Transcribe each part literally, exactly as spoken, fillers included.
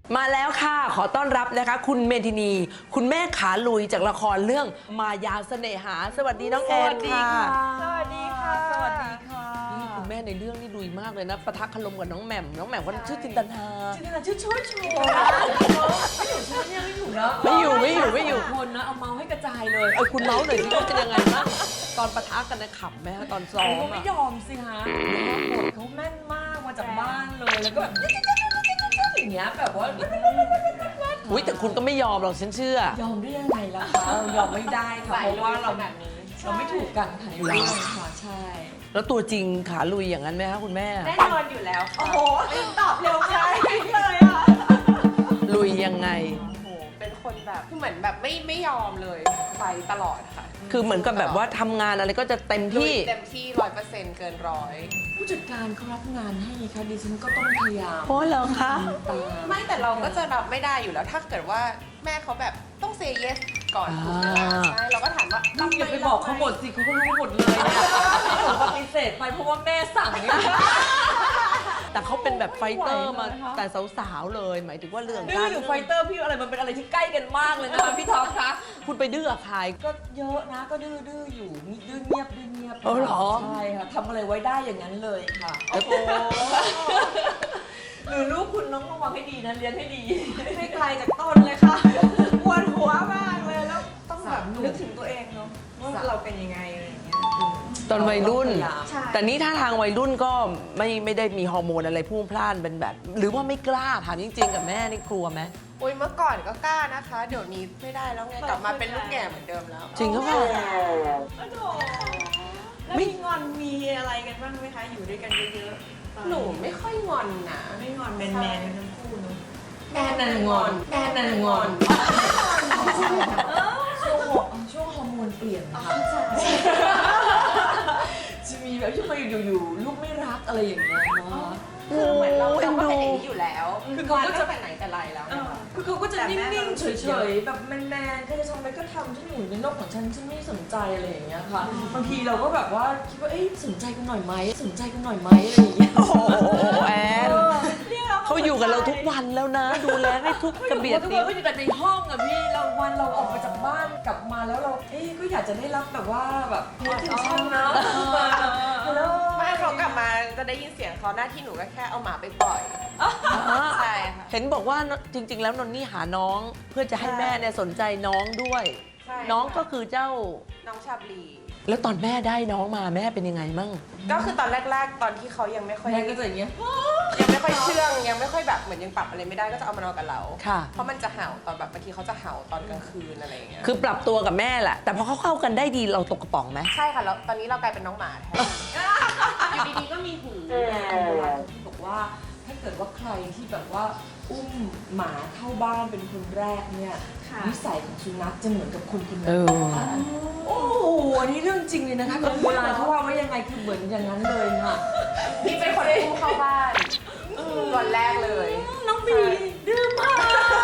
มาแล้วค่ะขอต้อนรับนะคะคุณเมทินีคุณแม่ขาลุยจากละครเรื่องมายาเสน่หาสวัสดีน้องแอนค่ะสวัสดีค่ะสวัสดีค่ะนี่คุณแม่ในเรื่องนี่ลุยมากเลยนะปะทะคารมกับน้องแหม่มน้องแหม่มเขาชื่อจินตนาจริงๆชื่อช่วยชัวร์ไม่อยู่ชื่อเนี่ยไม่อยู่เนาะไม่อยู่ไม่อยู่ไม่อยู่คนนะเอาเมาส์ให้กระจายเลยเออคุณเมาส์หน่อยสิว่าเป็นยังไงบ้างตอนปะทะกันนะขำไหมคะตอนซ้อเขามไม่อะยอมสิฮะบทเขาแม่นมากมาจากบ้านเลยแล้วก็แบบอย่างเงี้ยแบบว่าอุ้ยแต่คุณก็ไม่ยอมหรอกฉันเชื่อยอมได้ยังไงล่ะคะยอมไม่ได้ค่ะเพราะว่าเราเราไม่ถูกกันค่ะในเรื่องค่ะใช่แล้วตัวจริงขาลุยอย่างนั้นไหมคะคุณแม่แน่นอนอยู่แล้วค่ะโอ้โหตอบเร็วใช่เลยอ่ะลุยยังไงโอ้โหเป็นคนแบบคือเหมือนแบบไม่ไม่ยอมเลยไปตลอดค่ะคือเหมือนกับแบบว่าทำงานอะไรก็จะเต็มลุยที่เต็มที่ร้อยเปอร์เซ็นต์เกินร้อยผู้จัดการเขารับงานให้ค่ะดิฉันก็ต้องพยายามเพราะเหรอคะตามไม่แต่เราก็จะรับไม่ได้อยู่แล้ว ถ้าเกิดว่าแม่เขาแบบต้องเซย์เยสก่อนถูกไหมล่ะใช่เราก็ถามว่าลูกอย่าไปบอกเขาหมดสิเขาก็รู้หมดเลยเนี่ยหนูปฏิเสธไปเพราะว่าแม่สั่งนี่แต่เขาเป็นแบบไฟเตอร์มาไหวเลยนะคะแต่สาวๆเลย หมายถึงว่าเรื่องดื้กาอรหรือไฟเตอร์พี่อะไรมันเป็นอะไรที่ใกล้กันมากเลยนะคะพี่ท็อปคะคุณไปดื้อกับใครก็เยอะนะก็ดื้อดื้ออยู่มีดื้อเงียบดื้อเงียบเออเหรอใช่ค่ะทำอะไรไว้ได้อย่างนั้นเลยค่ะโอ้โหหรือลูกคุณน้องระวังให้ดีนะเลี้ยงให้ดีไม่ไกลจากต้นเลยค่ะปวดหัวมากเลยแล้วต้องแบบนึกถึงตัวเองเนาะว่าเราเป็นยังไงอะไรอย่างเงี้ยตอนวัยรุ่นใช่แต่นี้ถ้าทางวัยรุ่นก็ไม่ไม่ได้มีฮอร์โมนอะไรพุ่งพล่านเป็นแบบ หรือว่าไม่กล้าถามจริงๆกับแม่นี่กลัวไหมอุ้ยเมื่อก่อนก็กล้านะคะ เดี๋ยวนี้ไม่ได้แล้วไงกลับมาเป็นลูกแง่เหมือนเดิมแล้วจริงหรือเปล่าแล้วมีงอนมีอะไรกันบ้างไหมคะ อยู่ด้วยกันเยอะๆตอนหนูไม่ค่อยงอนนะไม่งอนแมนแมนๆกันทั้งคู่เนอะแม่นันงอนแม่นันงอนช่วงฮอร์ช่วงฮอร์โมนเปลี่ยนนะคะจะมีแบบที่มาอยู่ๆลูกไม่รักอะไรอย่างเงี้ยเนาะคือเหมือนเราโอ้เราก็เป็นเอ็นดูอย่างนี้อยู่แล้วคือเขาก็จะไปไหนแต่ไรแล้วเออคือเขาก็จะนิ่งๆ เฉยๆ แบบแมนๆ ก็จะทำอะไรก็ทำฉันอยู่ในโลกของฉัน ฉันไม่สนใจอะไรอย่างเงี้ยค่ะ บางทีเราก็แบบว่าคิดว่า เอ๊ะสนใจกันหน่อยไหม สนใจกันหน่อยไหมอะไรอย่างเงี้ยโอ้โหแอนเออเขาอยู่กับเราทุกวันแล้วนะ ดูแลได้ทุกกระเบียดทุกนิ้คว นก็อยู่แต่ในห้องอะพี่ เราวันเราออกมาจากบ้านกลับมาแล้วเรา เอ๊ะก็อยากจะได้รับแบบว่าแบบเพจถึงฉันนะแล้วไม่เขากลับมาจะได้ยินเสียงเขาหน้าที่หนูก็แค่เอาหมาไปปล่อย ใช่ค่ะเห็นบอกว่าจริง ๆ แล้วนนนี่หาน้องเพื่อจะให้แม่เนี่ยสนใจน้องด้วยใช่น้องก็คือเจ้าน้องชาบลีแล้วตอนแม่ได้น้องมาแม่เป็นยังไงมั่งก็คือตอนแรก ๆ ตอนที่เขายังไม่ค่อยแม่ก็จะอย่างเงี้ยยังไม่ค่อยเชื่องยังไม่ค่อยแบบเหมือนยังปรับอะไรไม่ได้ก็จะเอามานอนกับเราค่ะเพราะมันจะเห่าตอนแบบบางทีเขาจะเห่าตอนกลางคืนอะไรอย่างเงี้ยคือปรับตัวกับแม่แหละ แต่พอเขาเข้ากันได้ดีเราตกกระป๋องไหมใช่ค่ะแล้วตอนนี้เรากลายเป็นน้องหมาแทนอยู่ดีๆก็มีหูที่บอกว่าถ้าเกิดว่าใครที่แบบว่าอุ้มหมาเข้าบ้านเป็นคนแรกเนี่ยนิสัยของสุนัขจะเหมือนกับคนคนเอนั้นอโอ้โหอันนี้เรื่องจริงเลยนะคะโบราณเขาว่าไว้ยังไงคือเหมือนอย่างนั้นเลยค่ะนี่เป็นคนอุ้มเข้าบ้านวันแรกเลยน้องบีดื้อมาก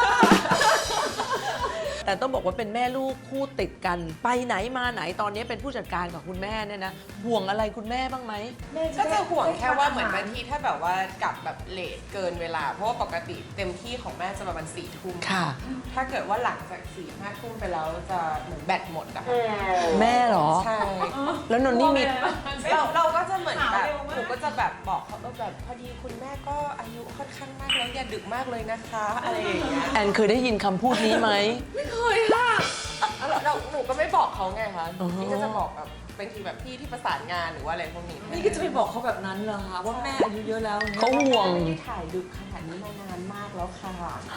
แต่ต้องบอกว่าเป็นแม่ลูกคู่ติดกัน ไปไหนมาไหนตอนนี้เป็นผู้จัดการกับคุณแม่เนี่ยนะห่วงอะไรคุณแม่บ้างไหมก็จะห่วงแค่ว่าเหมือนบางทีถ้าแบบว่ากลับแบบเลทเกินเวลา เพราะว่าปกติเต็มที่ของแม่จะประมาณสี่ทุ่มค่ะถ้าเกิดว่าหลังจากสี่ห้าทุ่มไปแล้วจะเหมือนแบตหมดอะค่ะแม่เหรอใช่แล้วนนนี่มีเราเราก็จะเหมือนแบบหนูก็จะแบบบอกเขาว่าแบบพอดีคุณแม่ก็อายุค่อนข้างมากแล้วอย่าดึกมากเลยนะคะอะไรอย่างเงี้ยแอนเคยได้ยินคำพูดนี้ไหมไม่เคยค่ะแล้วเราหนูก็ไม่บอกเขาไงคะอ๋อนี่ก็จะบอกแบบบางทีแบบพี่ที่ประสานงานหรือว่าอะไรพวกนี้นี่ก็จะไปบอกเขาแบบนั้นเหรอคะว่าแม่อายุเยอะแล้วนี่ยเขาห่วงไม่ได้ถ่ายดึกขนาดนี้มานานมากแล้วค่ะ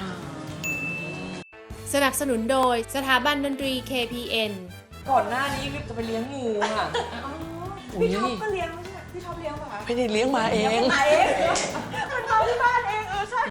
สนับสนุนโดยสถาบันดนตรี เค พี เอ็นก่อนหน้านี้จะไปเลี้ยงงูค่ะพี่ท็อปก็เลี้ยงไม่ใช่พี่ท็อปเลี้ยงป่ะคะไม่ได้เลี้ยงมาเองมาเองมันเอาที่บ้านเองเออใช่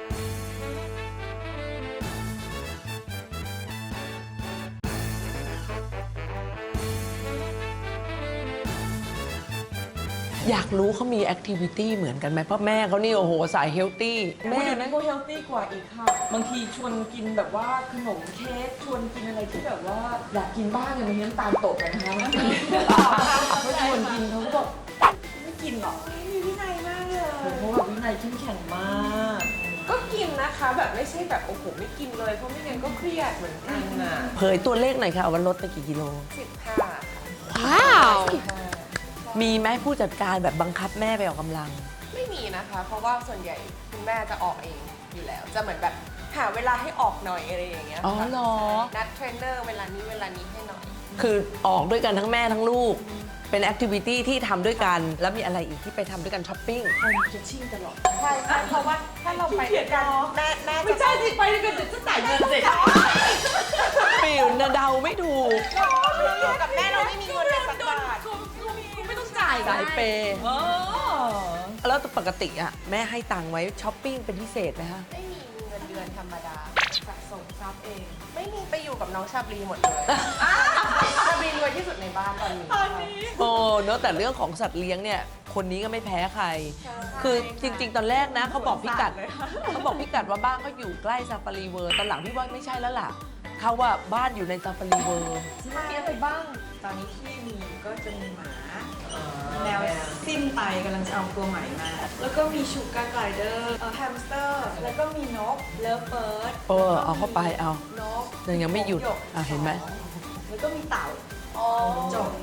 อยากรู้เขามีแอคทิวิตี้เหมือนกันไหมเพราะแม่เขานี่โอ้โหสายเฮลตี้แม่แม่เดี๋ยวนั้นก็เฮลตี้กว่าอีกค่ะ บางทีชวนกินแบบว่าขนมเค้กชวนกินอะไรที่แบบว่าอยากกินบ้างเนี่ยบางทีน้ำตาลตกกันนะคะเขาชวนกินเขาก็บอกไม่กินหรอกมีวินัยมากเลยเพราะว่าวินัยเข้มแข็งมากก็กินนะคะ แบบไม่ใช่แบบโอ้โหไม่กินเลยเพราะไม่งั้นก็เครียดเหมือนกันนะเผยตัวเลขหน่อยค่ะว่าลดไปกี่กิโลสิบห้าค่ะว้าวสิบห้ามีไหมผู้จัดการแบบบังคับแม่ไปออกกำลังไม่มีนะคะ เพราะว่าส่วนใหญ่คุณแม่จะออกเองอยู่แล้ว จะเหมือนแบบหาเวลาให้ออกหน่อยอะไรอย่างเงี้ยอ๋อค่ะเหรอใช่นัดเทรนเนอร์เวลานี้เวลานี้ให้หน่อยคือออกด้วยกันทั้งแม่ทั้งลูก เป็นแอคทิวิตี้ที่ทำด้วยกัน แล้วมีอะไรอีกที่ไปทำด้วยกันช้อปปิ้งมันจะชิ่งตลอดใช่ใช่เพราะว่าถ้าเราไปด้วยกันแม่แม่ไม่จะใช่สิไปด้วยกันเดี๋ยวจะจ่ายเงินเสร็จปิวนะเดาไม่ถูกอยู่กับแม่เราไม่มีเงินเลยสักบาทคุณไม่ต้องจ่ายสายเปย์เออแล้วปกติอ่ะแม่ให้ตังค์ไว้ช้อปปิ้งเป็นพิเศษไหมคะไม่มีเงินเดือนธรรมดาสะสมทรัพย์เอง ไม่มีไปอยู่กับน้องชาบรีหมดเลยชาบรีรวยที่สุดในบ้านตอนนี้โอ้เนอะแต่เรื่องของสัตว์เลี้ยงเนี่ย คนนี้ก็ไม่แพ้ใคร คือจริง ๆ ตอนแรกนะเขาบอกพิกัดเขาบอกพิกัดว่าบ้านเขาอยู่ใกล้ซาฟารีเวิร์ตอนหลังพี่ว่าไม่ใช่แล้วล่ะเขาว่าบ้านอยู่ในซาฟารีเวิร์มีอะไรบ้างตอนนี้ที่มีก็จะมีหมาแนวสิ้นไปกำลังจะเอาตัวใหม่มา แล้วก็มีชูการ์ไกลเดอร์แฮมสเตอร์ แล้วก็มีนกเลิฟเบิร์ดเออเอาเข้าไปเอานกยังยังไม่หยุดกอ่ะเห็นไหมแล้วก็มีเต่าอ๋อจบ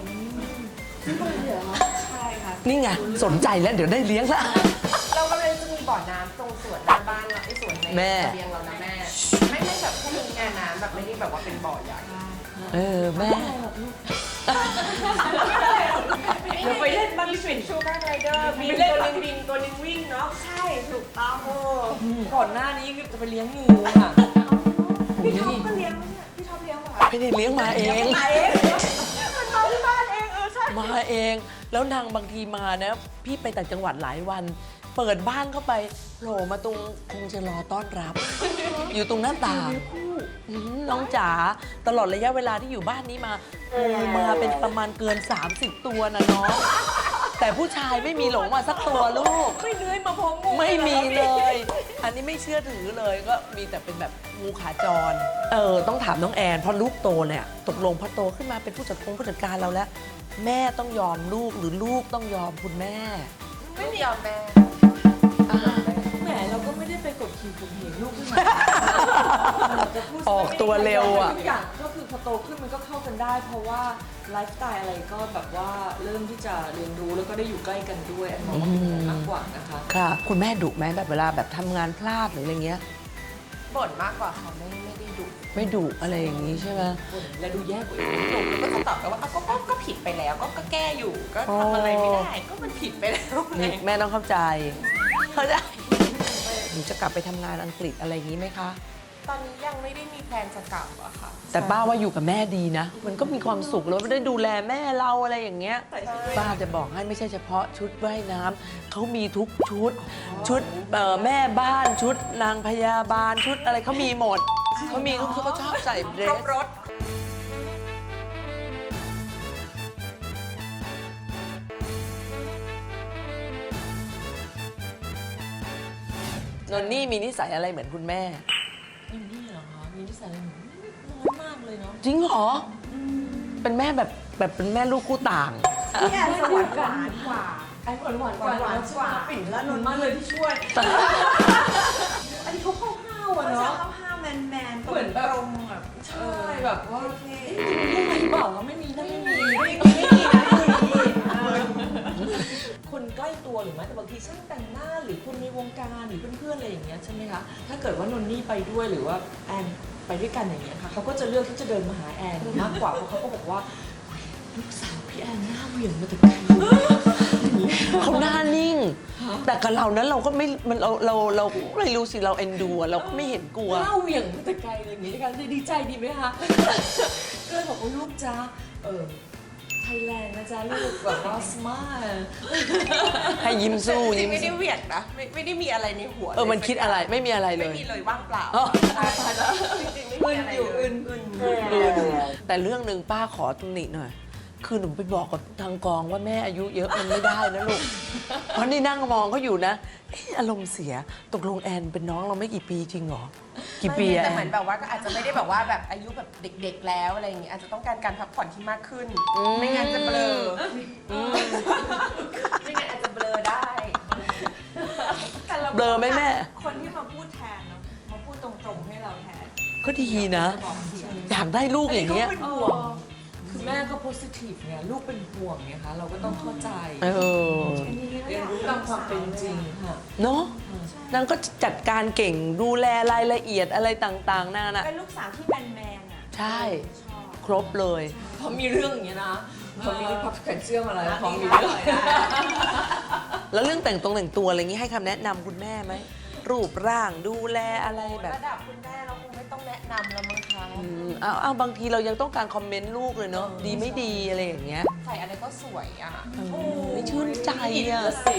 ใช่ค่ะนี่ไงสนใจแล้วเดี๋ยวได้เลี้ยงละเรากำลังจะมีบ่อน้ำตรงสวนหน้าบ้านเราไอ้สวนในแม่ระเบียงเรานะแม่ ไม่ไม่แบบแค่มีงานน้ำแบบไม่ได้แบบว่าเป็นบ่อใหญ่เออแม่เดี๋ยวไปเล่นบ้านฟินชูการ์ไกลเดอร์บินตัวหนึงบินตัวหนึงวิ่งเนาะใช่ถูกต้องก่อนหน้านี้คือจะไปเลี้ยงงูค่ะพี่ท็อปก็เลี้ยงเนี่ยพี่ท็อปเลี้ยงเหรอคะไม่ได้เลี้ยงมาเองมาเองมันมาที่บ้านเองเออใช่มาเอง แล้วนางบางทีมานะพี่ไปต่างจังหวัดหลายวัน เปิดบ้านเข้าไปโผล่มาตรงคงจะรอต้อนรับ อยู่ตรงหน้าต่างอืมน้องจ๋าตลอดระยะเวลาที่อยู่บ้านนี้มางูมาเป็นประมาณเกิน สามสิบ ตัวนะน้อง แต่ผู้ชายไม่มีหลงมาสักตัวลูกไม่เลื้อยมาพร้อมงูไม่มีเลย อันนี้ไม่เชื่อถือเลยก็มีแต่เป็นแบบงูขาจร เออต้องถามน้องแอนเพราะลูกโตเนี่ยตกลงพอโตขึ้นมาเป็นผู้จัดการผู้จัดการเราแล้ว แม่ต้องยอมลูกหรือลูกต้องยอมคุณแม่ไม่ยอมแม่แหมเราก็ไม่ได้ไปกดขี่ข่มเหงลูกขึ้นมาจะพูดออกตัวเร็วอะทุกอย่างก็คือพอโตขึ้นมันก็เข้ากันได้ เพราะว่าไลฟ์สไตล์อะไรก็แบบว่าเริ่มที่จะเรียนรู้แล้วก็ได้อยู่ใกล้กันด้วยอันมองว่าเป็นอย่างนั้นมากกว่านะคะค่ะ คุณแม่ดุไหมแบบเวลาแบบทำงานพลาดหรืออะไรเงี้ยบ่นมากกว่าค่ะไม่ไม่ได้ดุไม่ดุอะไรอย่างนี้ใช่ไหมและดูแย่กว่าอีกดุแล้วก็จะตอบไปว่าอ่ะก็ก็ก็ผิดไปแล้วก็ก็แก้อยู่ก็ทำอะไรไม่ได้ ก็มันผิดไปแล้วไงนี่แม่ต้องเข้าใจ เข้าใจหนูจะกลับไปทำงานอังกฤษอะไรอย่างนี้ไหมคะตอนนี้ยังไม่ได้มีแพลนจะกลับอะค่ะแต่ป้าว่าอยู่กับแม่ดีนะ มันก็มีความสุขแล้วได้ดูแลแม่เราอะไรอย่างเงี้ย ป้าจะบอกให้ไม่ใช่เฉพาะชุดว่ายน้ำเขามีทุกชุด ชุดเอ่อแม่บ้านชุดนางพยาบาลชุดอะไรเขามีหมดเขามีทุกชุดเขาชอบใส่เดรครสบรถนนนี่มีนิสัยอะไรเหมือนคุณแม่นี่นี่เหรอคะมีนิสัยอะไรหนูน้อยมากเลยเนาะจริงเหรอ เป็นแม่แบบแบบเป็นแม่ลูกคู่ต่างพี่แอนจะหวานหวานกว่าไอ้หวานหวานหวานหวานกว่าปิ่นและนนมากเลยที่ช่วย อันนี้เขาเข้าห้าวอะเขาจะเนาะเข้าห้าวแมนแมนๆเหมือนแบบตรงแบบใช่แบบว่าโอเคลูกไหนบอกว่าไม่มีนะไม่มีไม่มีไม่มีนะไม่มีเออคนใกล้ตัวหรือแม้แต่บางทีช่างแต่งหน้าหรือคนในวงการหรือเพื่อนๆอะไรอย่างเงี้ยใช่ไหมคะถ้าเกิดว่านนนี่ไปด้วยหรือว่าแอนไปด้วยกันอย่างเงี้ยค่ะเขาก็จะเลือกที่จะเดินมาหาแอนมากกว่าเพราะเขาก็บอกว่าลูกสาวพี่แอนหน้าเหวี่ยงมาแต่ไกลเขาหน้านิ่ง แต่กับเรานั้นเราก็ไม่มันเราเราเราไม่รู้สิเราเอ็นดูอะเราก็ไม่เห็นกลัวหน้าเหวี่ยงมาแต่ไกลเลยอย่างงี้นะคะดีใจดีไหมคะ ก็เลยบอกว่าลูกจ้าเออไทยแลนด์นะจ๊ะลูกแบบว่าสมาร์ทให้ยิ้มสู้จริยิ้งมๆไม่ได้สู้เหวี่ยงนะไม่ไม่ได้มีอะไรในหัวเออมันคิดอะไรไม่มีอะไรเลไม่ยมีเลยว่างเปล่าอ๋อใช่แล้วจริงๆไม่มีอะไรเลยแต่เรื่องหนึ่งป้าขอตำหนิหน่อย คือหนูไปบอกกับทางกองว่าแม่อายุเยอะมันไม่ได้นะลูก เพราะนี่นั่งมองเขาอยู่นะเอ๊ะอารมณ์เสียตกลงแอนเป็นน้องเราไม่กี่ปีจริงเหรอ กี่ปีอะแต่แอเหมือน นแบบว่าก็อาจจะไม่ได้แบบว่าแบบอายุแบบเด็ก ๆ แล้วอะไรอย่างเงี้ยอาจจะต้องการการพักผ่อนที่มากขึ้น ไม่งั้นจะเบลออไม่งั้นอาจจะเบลอได้แต่ราเบลอไหมแม่คนที่มาพูดแทนเนาะพูดตรงๆให้เราแทนก็ดีนะบอกเสียงอยากได้ลูกอย่างเงี้ยก็เป็นห่วงคือแม่ก็โพสิทีฟไงลูกเป็นห่วงไงคะเราก็ต้องเข้าใจเอออันนี้ก็เรีอยนยากรู้ตามความเป็นจริงค่ะเนาะนางก็จัดการเก่งดูแลรายละเอียดอะไรต่างๆนั่นน่ะเป็นลูกสาวที่แมนแมนๆอ่ะใช่ชอบครบเลยพอมีเรื่องอย่างเงี้ยนะพอมีพับแขนเชื่อมอะไรพอมีได้เรื่องได้แล้วเรื่องแต่งตรงแต่งตัวอะไรอย่างงี้ให้คำแนะนำคุณแม่ไหมรูปร่างดูแลอะไรแบบระดับคุณแม่เราคงไม่ต้องแนะนำแล้วมั้งคะอืมเอาเอาบางทีเรายังต้องการคอมเมนต์ลูกเลยเนาะดีไม่ดีอะไรอย่างเงี้ยใส่อะไรก็สวยอ่ะไม่ชื่นใจอ่ะสิ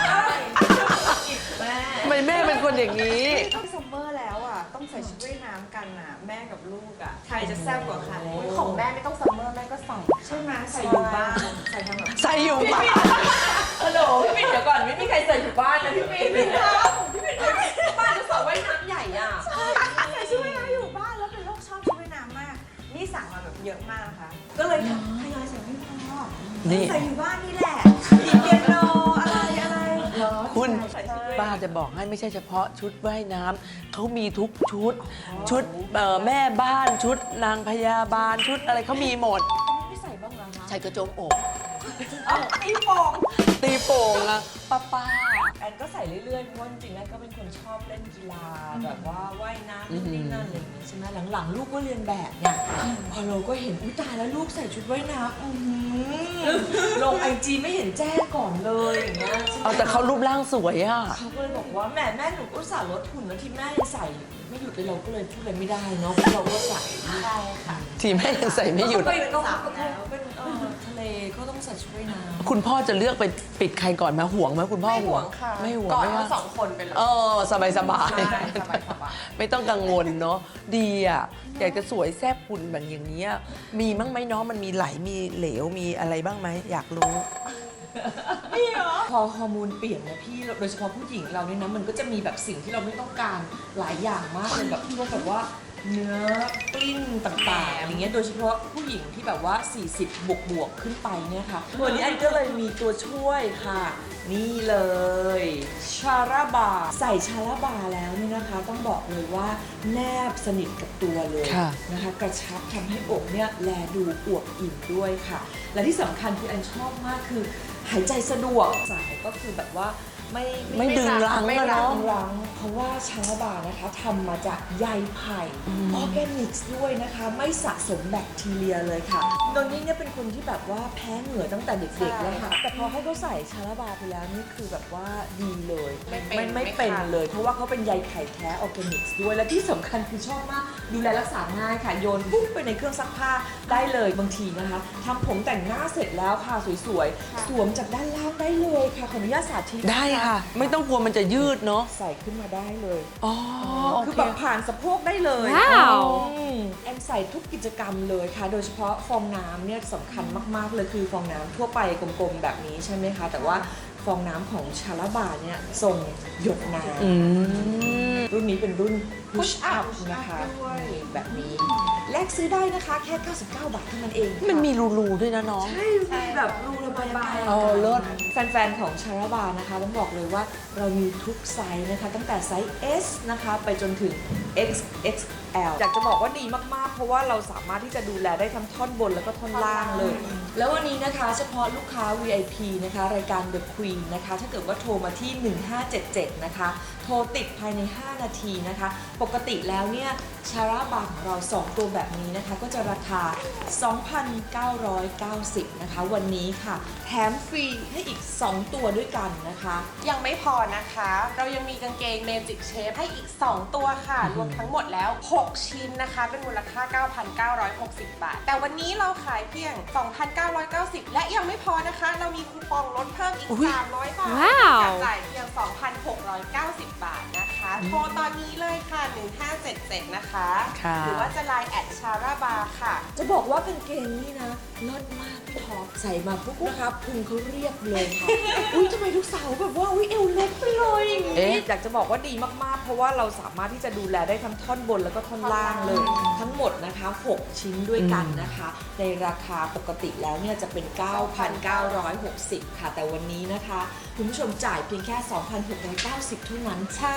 แม่ทำไมแม่เป็นคนอย่างนี้ต้องซัมเมอร์แล้วอ่ะ ต้องใส่ชุดว่ายน้ำกันอ่ะ แม่กับลูกอ่ะ ใครจะแซ่บกว่าใครของแม่ไม่ต้องซัมเมอร์แม่ก็ใส่ใช่ไหมใส่อยู่บ้าน ใส่ทำแบบใส่อยู่ปะฮัลโหลพี่ปิ่นเดี๋ยวก่อนไม่มีใครใส่อยู่บ้านนะพี่ปิ่นพี่ปิ่นพี่ปิ่นบ้านจะสระว่ายน้ำใหญ่อ่ะใส่ชุดว่ายน้ำอยู่บ้านแล้วเป็นโรคชอบชุดว่ายน้ำมาก นี่สั่งมาแบบเยอะมากนะคะ ก็เลยททยอยใส่ไม่พอนี่ใส่อยู่บ้านนี่แหละดีเปียโนอะไรอะไรคุณใส่ชุดว่ายป้าจะบอกให้ไม่ใช่เฉพาะชุดว่ายน้ำเขามีทุกชุด ชุดเอ่อแม่บ้านชุดนางพยาบาลชุดอะไรเขามีหมดไม่ใส่บ้างเหรอคะใส่กระโจมอกอ๋อตีโป่งตีโป่งอะป้าป้าแอนก็ใส่เรื่อยๆเพราะว่าจริงๆแอนก็เป็นคนชอบเล่นกีฬาแบบว่าว่ายน้ำนู่นนี่นั่นอะไรอย่างเงี้ยใช่ไหมหลังๆ ลูกก็เรียนแบบเนี่ยพอเราก็เห็นอุ้ยตายแล้วลูกใส่ชุดว่ายน้ำอื้อหือลงไอจีไม่เห็นแจ้งก่อนเลยอย่างเงี้ยใช่ไหมเอาแต่เขารูปร่างสวยอะเขาก็เลยบอกว่าแม่แม่หนูก็สาลดหุ่นแล้วที่แม่ยังใส่ไม่หยุดเลยเราก็เลยพูดอะไรไม่ได้เนาะเพราะเราก็ใส่ใช่ค่ะทีแม่ยังใส่ไม่หยุดก็เป็นก็เป็นเออทะเลก็ต้องใส่ชุดว่ายน้ำคุณพ่อจะเลือกไปปิดใครก่อนมาห่วงไหมคุณพ่อไม่ห่วงค่ะไม่ห่วงก่อนไม่ทั้ว่างสองคนไปเลยเออสบายสบายใช่สบายสบายไม่ต้องกังวลเนาะดีอ่ะอยากจะสวยแซ่บคุณแบบอย่างนี้ยมีมั้งไหมเนาะมันมีไหลมีเหลวมีอะไรบ้างไหมอยากรู้พอฮอร์โมนเปลี่ยนนะพี่โดยเฉพาะผู้หญิงเราเนี่ยนะมันก็จะมีแบบสิ่งที่เราไม่ต้องการหลายอย่างมากเลยแบบพวกแบบว่าเนื้อกลิ้นต่างๆอย่างเงี้ยโดยเฉพาะผู้หญิงที่แบบว่า สี่สิบ บวกบวกๆขึ้นไปเนี่ยค่ะวันนี้อันก็เลยมีตัวช่วยค่ะ นี่เลยชาราบาใส่ชาราบาแล้วเนี่ยนะคะ ต้องบอกเลยว่าแนบสนิทกับตัวเลยค่ะนะคะกระชับทำให้อกเนี่ยแลดูอวบอิ่มด้วยค่ะ และที่สำคัญคืออันชอบมากคือหายใจสะดวกสายก็คือแบบว่าไม่ไม่ดึงรั้งไม่อะรัเนาะงรังเพราะว่าชาลาบานะคะทำมาจากใยไผ่ออร์แกนิกด้วยนะคะ ไม่สะสมแบคทีเรียเลยค่ะตอนนี้เนี่ยเป็นคนที่แบบว่าแพ้เหงื่อตั้งแต่เด็กๆแล้วค่ะ แต่พอให้เขาใส่ชาลาบาไปแล้วนี่คือแบบว่าดีเลยไม่เป็นไม่ไม่ไม่เป็นคันเลย เพราะว่าเขาเป็นใยไผ่แท้ออร์แกนิกด้วยและที่สำคัญคือชอบมากดูแลรักษาง่ายค่ะโยนปุ๊บไปในเครื่องซักผ้าได้เลยบางทีนะคะทำผมแต่งหน้าเสร็จแล้วค่ะสวยๆสวมจากด้านล่างได้เลยค่ะขออนุญาตสาธิตได้ค่ะ ไม่ต้องกลัวมันจะยืดเนาะใส่ขึ้นมาได้เลยอ๋อโอคือเคแบบผ่านสะโพกได้เลยว้าวอืมแอนใส่ทุกกิจกรรมเลยค่ะ โดยเฉพาะฟองน้ำเนี่ยสำคัญมากๆเลยคือฟองน้ำทั่วไปกลมๆแบบนี้ใช่ไหมคะ แต่ว่าฟองน้ำของชาลาบาเนี่ยทรงหยดน้อืมำรุ่นนี้เป็นรุ่น push up push up นะคะด้วยนี่แบบนี้ แลกซื้อได้นะคะแค่ เก้าสิบเก้า บาทเท่านั้นเองค่ะมันมีรูๆด้วยนะน้องใช่มีแบบรูระบายอากาศเออเลิศแฟนๆ ของชาราบานะคะต้องบอกเลยว่าเรามีทุกไซส์นะคะ ตั้งแต่ไซส์ S นะคะไปจนถึง เอ็กซ์ เอ็กซ์ แอล อยากจะบอกว่าดีมากๆ เพราะว่าเราสามารถที่จะดูแลได้ทั้งท่อนบนแล้วก็ท่อนล่างเลย แล้ววันนี้นะคะเฉพาะลูกค้า วี ไอ พี นะคะ รายการ The Queen นะคะ ถ้าเกิดว่าโทรมาที่ หนึ่งห้าเจ็ดเจ็ด นะคะ โทรติดภายใน ห้า นาทีนะคะ ปกติแล้วเนี่ยชาราบาของเรา สอง ตัวแบบนี้นะคะ ก็จะราคา สองพันเก้าร้อยเก้าสิบ นะคะ วันนี้ค่ะ แถมฟรีให้อีก สอง ตัวด้วยกันนะคะยังไม่พอนะคะ เรายังมีกางเกง Magic Shape ให้อีก สอง ตัวค่ะ รวมทั้งหมดแล้ว หก ชิ้นนะคะ เป็นมูลค่า เก้าพันเก้าร้อยหกสิบ บาท แต่วันนี้เราขายเพียง สองพันเก้าร้อยเก้าสิบ และยังไม่พอนะคะ เรามีคูปองลดเพิ่มอีกอุ๊ยสามร้อยบาทว้าวจากจ่ายเพียง สองพันหกร้อยเก้าสิบ บาทนะคะ โทรตอนนี้เลยค่ะ หนึ่งห้าเจ็ดเจ็ด นะคะค่ะหรือว่าจะไลน์แอดชาราบาค่ะจะบอกว่ากางเกงนี่นะเลิศมากพี่ท็อปใส่มาปุ๊บนะคะพุงเขาเรียบเลยค่ะ อุ้ยทำไมทุกสาวแบบว่าอุ้ยเอวเล็กไปเลยอย่างนี้เอ๊ะอยากจะบอกว่าดีมากๆ เพราะว่าเราสามารถที่จะดูแลได้ทั้งท่อนบนแล้วก็ท่อนล่างเลย ทั้งหมดนะคะ หก ชิ้นด้วยกันนะคะ ในราคาปกติแล้วเนี่ยจะเป็น เก้าพันเก้าร้อยหกสิบ ค่ะ แต่วันนี้นะคะ คุณผู้ชมจ่ายเพียงแค่ สองพันหกร้อยเก้าสิบ เท่านั้นใช่คุ้ม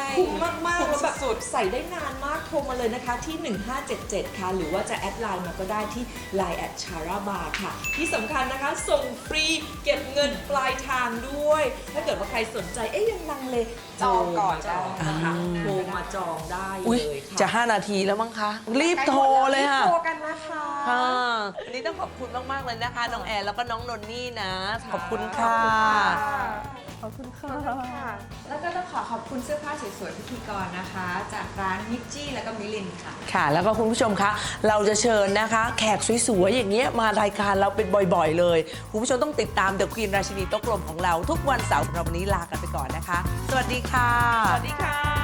มากๆแล้วแบบใส่ได้นานมากโทรมาเลยนะคะที่หนึ่งห้าเจ็ดเจ็ดค่ะหรือว่าจะแอดไลน์มาก็ได้ที่ ไลน์ แอท ชาราบาร์ ค่ะที่สำคัญนะคะส่งฟรีเก็บเงินปลายทางด้วย ถ้าเกิดว่าใครสนใจเอ๊ยยังลังเลจองก่อนจองนะคะอ่าโทรมาจองได้อุ๊ยเลยค่ะจะห้านาทีแล้วมั้งคะ รีบโทรเลยค่ะรีบโทรกันนะคะค่ะวันนี้ต้องขอบคุณมาก ๆ เลยนะคะ น้องแอนแล้วก็น้องนนนี่นะ ขอบคุณค่ะขอบคุณค่ะ แล้วก็ต้องขอขอบคุณเสื้อผ้าสวยๆพิธีกรนะคะ จากร้านมิจจี้แล้วก็มิลินค่ะค่ะ แล้วก็คุณผู้ชมคะ เราจะเชิญนะคะ แขกสวย ๆ อย่างเงี้ยมารายการเราเป็นบ่อย ๆ เลย คุณผู้ชมต้องติดตาม The Queen ราชินีโต๊ะกลมของเราทุกวันเสาร์เราวันนี้ลากันไปก่อนนะคะ สวัสดีค่ะสวัสดีค่ะ